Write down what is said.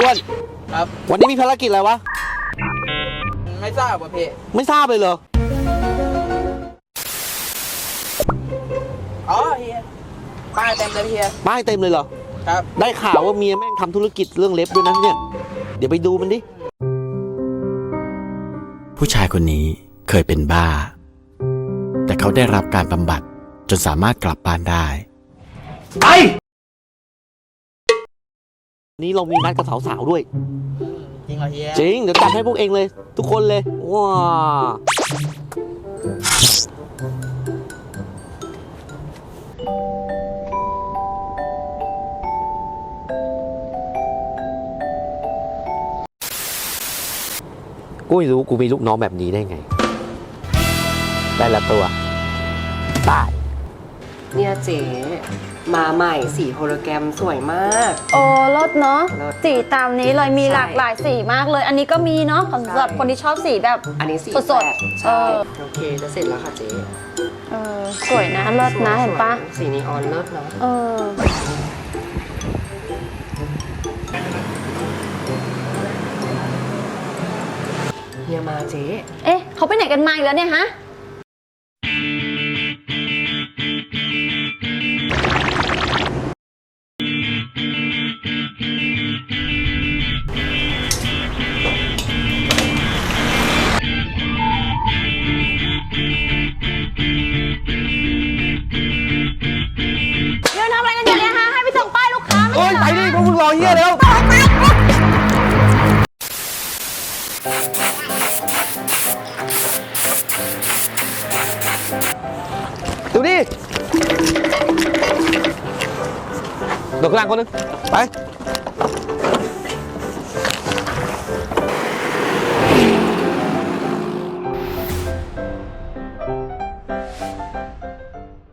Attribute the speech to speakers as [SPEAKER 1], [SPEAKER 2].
[SPEAKER 1] อ้วน
[SPEAKER 2] ครับ
[SPEAKER 1] วันนี้มีภารกิจอะไรวะ
[SPEAKER 2] ไม่ทราบว่ะพี่
[SPEAKER 1] ไม่ทราบเลยเหรอ
[SPEAKER 2] อ๋อเฮียป้ายเต็มเลยเฮีย
[SPEAKER 1] ป้ายเต็มเลยเหรอ
[SPEAKER 2] ครับ
[SPEAKER 1] ได้ข่าวว่าเมียแม่งทำธุรกิจเรื่องเล็บด้วยนะเนี่ยเดี๋ยวไปดูมันดิ
[SPEAKER 3] ผู้ชายคนนี้เคยเป็นบ้าแต่เขาได้รับการบำบัดจนสามารถกลับบ้านได้
[SPEAKER 1] ไปนี้เรามีนัดกับสาวๆด้วย
[SPEAKER 2] จริงเหรอเฮีย
[SPEAKER 1] จริงเดี๋ยวจัดให้พวกเองเลยทุกคนเลยว้ากูไม่รู้กูมีลูกน้องแบบนี้ได้ไงได้ละตัวตาย
[SPEAKER 4] เนี่ยเจ๊มาใหม่สีโฮโลแกรมสวยมาก
[SPEAKER 5] โอ้รสเนาะ
[SPEAKER 4] รส
[SPEAKER 5] สีตามนี้เลยมี
[SPEAKER 4] ใช่
[SPEAKER 5] หลากหลายสีมากเลย อันนี้ก็มีเนาะสำหรับคนที่ชอบสีแบบ
[SPEAKER 4] อันนี้สี
[SPEAKER 5] สดๆ
[SPEAKER 4] แปใช่ โอเคจะเสร็จแล้วค่ะเจ๊
[SPEAKER 5] สวยนะเลิศนะเห็นปะ
[SPEAKER 4] สีนีออนเลิศเนาะเฮียมาเจ๊
[SPEAKER 5] เอ๊ะเขาไปไหนกันมาอีกแล้วเนี่ยฮะเดี๋ยวทำอะไรกันอยู่เนี่ยฮะให้ไปส่งป้ายลูกค้าไม่
[SPEAKER 1] เอ้ย
[SPEAKER 5] ใช่
[SPEAKER 1] ไป
[SPEAKER 5] เหรอ
[SPEAKER 1] ดิพวกมึงรอเฮียแล้วดูดิโดดข้างล่างคนนึงไป